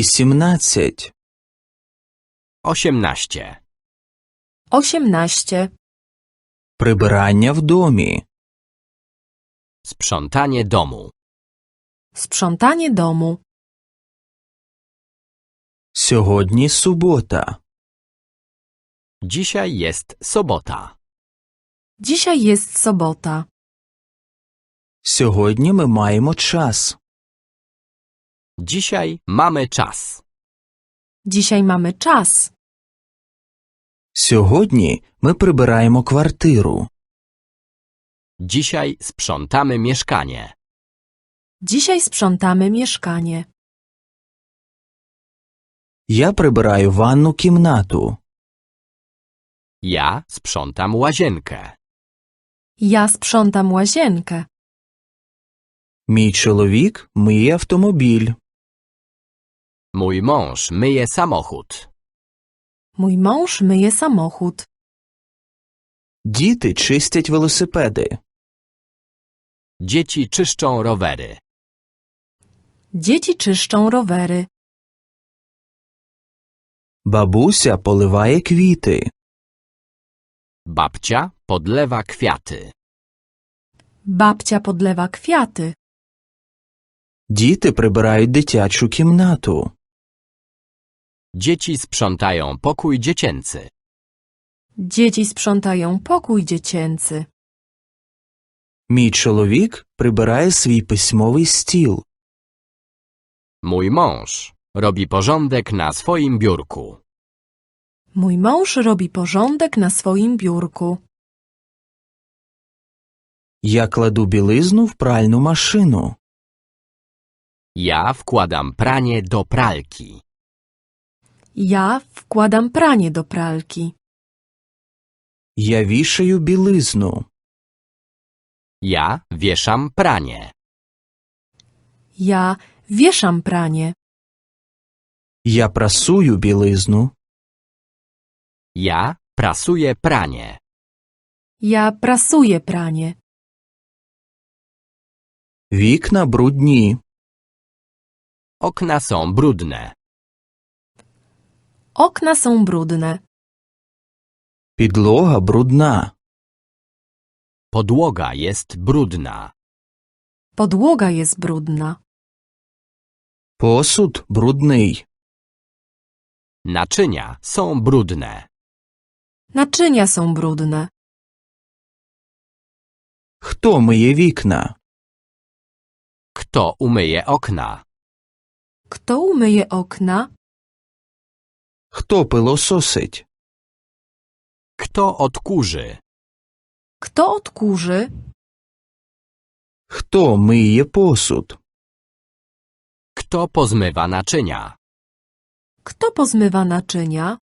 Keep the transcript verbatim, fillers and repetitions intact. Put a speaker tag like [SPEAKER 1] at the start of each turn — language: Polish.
[SPEAKER 1] Вісімнадцять.
[SPEAKER 2] osiemnaście.
[SPEAKER 3] Osiemnaście.
[SPEAKER 1] Прибирання в домі.
[SPEAKER 2] Sprzątanie domu.
[SPEAKER 3] Sprzątanie domu.
[SPEAKER 1] Сьогодні субота.
[SPEAKER 2] Dzisiaj jest sobota.
[SPEAKER 3] Dzisiaj jest sobota.
[SPEAKER 1] Сьогодні ми маємо час.
[SPEAKER 2] Dzisiaj mamy czas.
[SPEAKER 3] Dzisiaj mamy czas.
[SPEAKER 1] Сьогодні ми прибираємо квартиру.
[SPEAKER 2] Dzisiaj sprzątamy mieszkanie.
[SPEAKER 3] Dzisiaj sprzątamy mieszkanie.
[SPEAKER 1] Я прибираю ванну кімнату.
[SPEAKER 2] Ja sprzątam łazienkę.
[SPEAKER 3] Ja sprzątam łazienkę.
[SPEAKER 1] Мій чоловік миє автомобіль.
[SPEAKER 2] Mój mąż myje samochód.
[SPEAKER 3] Mój mąż myje samochód.
[SPEAKER 1] Діти чистять велосипеди.
[SPEAKER 2] Dzieci czyszczą rowery.
[SPEAKER 3] Dzieci czyszczą rowery.
[SPEAKER 1] Бабуся поливає квіти.
[SPEAKER 2] Babcia podlewa kwiaty.
[SPEAKER 3] Babcia podlewa kwiaty.
[SPEAKER 1] Діти прибирають дитячу кімнату.
[SPEAKER 2] Dzieci sprzątają pokój dziecięcy.
[SPEAKER 3] Dzieci sprzątają pokój dziecięcy.
[SPEAKER 1] Мій чоловік прибирає свій письмовий стіл.
[SPEAKER 2] Mój mąż robi porządek na swoim biurku.
[SPEAKER 3] Mój mąż robi porządek na swoim biurku.
[SPEAKER 1] Я кладу білизну в пральну машину.
[SPEAKER 2] Ja wkładam pranie do pralki.
[SPEAKER 3] Ja wkładam pranie do pralki.
[SPEAKER 1] Я вішаю білизну.
[SPEAKER 2] Ja wieszam pranie.
[SPEAKER 3] Ja wieszam pranie.
[SPEAKER 1] Я прасую білизну.
[SPEAKER 2] Ja prasuję pranie.
[SPEAKER 3] Ja prasuję pranie.
[SPEAKER 1] Вікна брудні.
[SPEAKER 2] Okna są brudne.
[SPEAKER 3] Okna są brudne.
[SPEAKER 1] Підлога брудна.
[SPEAKER 2] Podłoga jest brudna.
[SPEAKER 3] Podłoga jest brudna.
[SPEAKER 1] Посуд брудний.
[SPEAKER 2] Naczynia są brudne.
[SPEAKER 3] Naczynia są brudne.
[SPEAKER 1] Хто миє вікна?
[SPEAKER 2] Kto umyje okna?
[SPEAKER 3] Kto umyje okna?
[SPEAKER 1] Хто пилососить?
[SPEAKER 2] Kto odkurzy?
[SPEAKER 3] Kto odkurzy?
[SPEAKER 1] Хто миє посуд?
[SPEAKER 2] Kto pozmywa naczynia?
[SPEAKER 3] Kto pozmywa naczynia?